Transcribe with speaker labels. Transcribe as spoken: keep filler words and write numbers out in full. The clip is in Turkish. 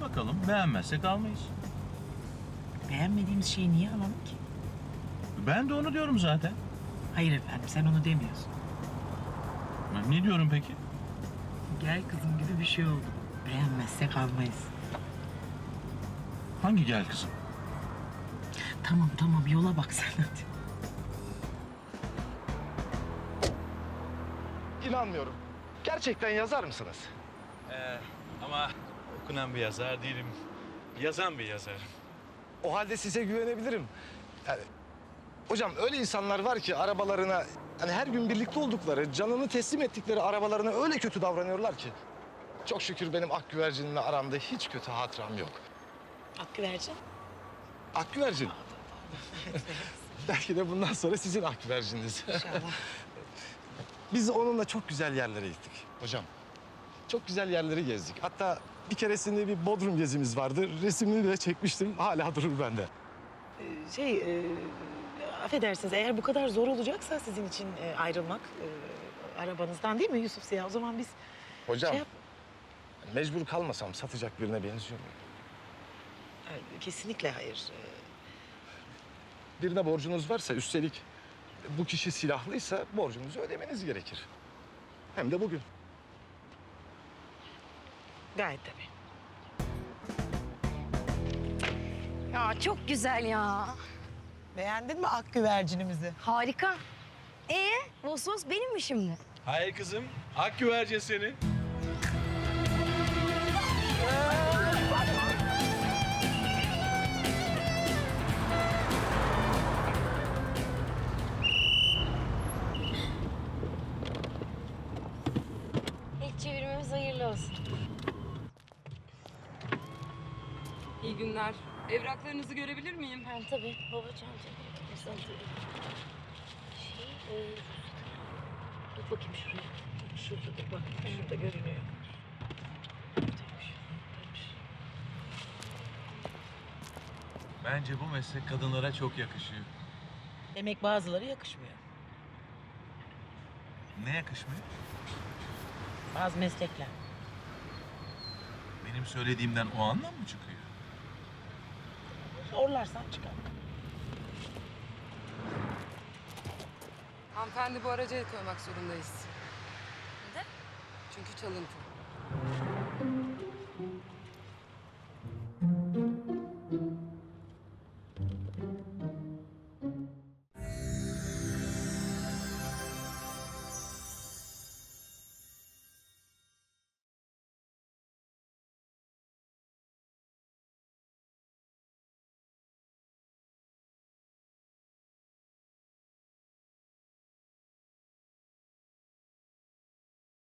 Speaker 1: bakalım. Beğenmezsek almayız.
Speaker 2: Beğenmediğimiz şeyi niye alalım ki?
Speaker 1: Ben de onu diyorum zaten.
Speaker 2: Hayır efendim, sen onu demiyorsun.
Speaker 1: Ben ne diyorum peki?
Speaker 2: Gel kızım gibi bir şey oldu. Beğenmezsek almayız.
Speaker 1: Hangi gel kızım?
Speaker 2: Tamam tamam, yola bak sen hadi.
Speaker 3: İnanmıyorum. Gerçekten yazar mısınız?
Speaker 1: Ee, ama okunan bir yazar değilim. Yazan bir yazarım.
Speaker 3: O halde size güvenebilirim. Yani, hocam öyle insanlar var ki arabalarına, hani her gün birlikte oldukları, canını teslim ettikleri arabalarına öyle kötü davranıyorlar ki. Çok şükür benim Akgüvercin'le aramda hiç kötü hatıram yok.
Speaker 2: Akgüvercin.
Speaker 3: Akgüvercin. Belki de bundan sonra sizin Akgüvercin'iniz.
Speaker 2: İnşallah.
Speaker 3: Biz onunla çok güzel yerlere gittik hocam. Çok güzel yerleri gezdik. Hatta bir keresinde bir Bodrum gezimiz vardı. Resmini de çekmiştim. Hala durur bende.
Speaker 2: Ee, şey, e, affedersiniz, eğer bu kadar zor olacaksa sizin için e, ayrılmak e, arabanızdan, değil mi Yusuf Ziya? O zaman biz
Speaker 3: Hocam,
Speaker 2: şey yap...
Speaker 3: mecbur kalmasam satacak birine benziyor muyum?
Speaker 2: Ay, kesinlikle hayır. Ee,
Speaker 3: Birine borcunuz varsa, üstelik bu kişi silahlıysa borcunuzu ödemeniz gerekir. Hem de bugün.
Speaker 2: Gayet tabii.
Speaker 4: Ya çok güzel ya.
Speaker 2: Beğendin mi Akgüvercinimizi?
Speaker 4: Harika. Ee, Vos Vos benim mi şimdi?
Speaker 1: Hayır kızım. Ak güvercin seni.
Speaker 4: İlk çevirmemiz hayırlı olsun.
Speaker 5: İyi günler. Evraklarınızı görebilir miyim?
Speaker 4: Ha, tabii babacığım. Mesela şey, e,
Speaker 2: Dur bakayım şuraya. Şurada dur bak. Şurada görünüyor. Buradaymış, buradaymış.
Speaker 1: Bence bu meslek kadınlara çok yakışıyor.
Speaker 2: Demek bazıları yakışmıyor.
Speaker 1: Ne yakışmıyor?
Speaker 2: Bazı meslekler.
Speaker 1: Benim söylediğimden o anlam mı çıkıyor?
Speaker 2: Zorlarsan çıkar.
Speaker 5: Hanımefendi bu araca el koymak zorundayız.
Speaker 4: neden?
Speaker 5: Çünkü çalıntı.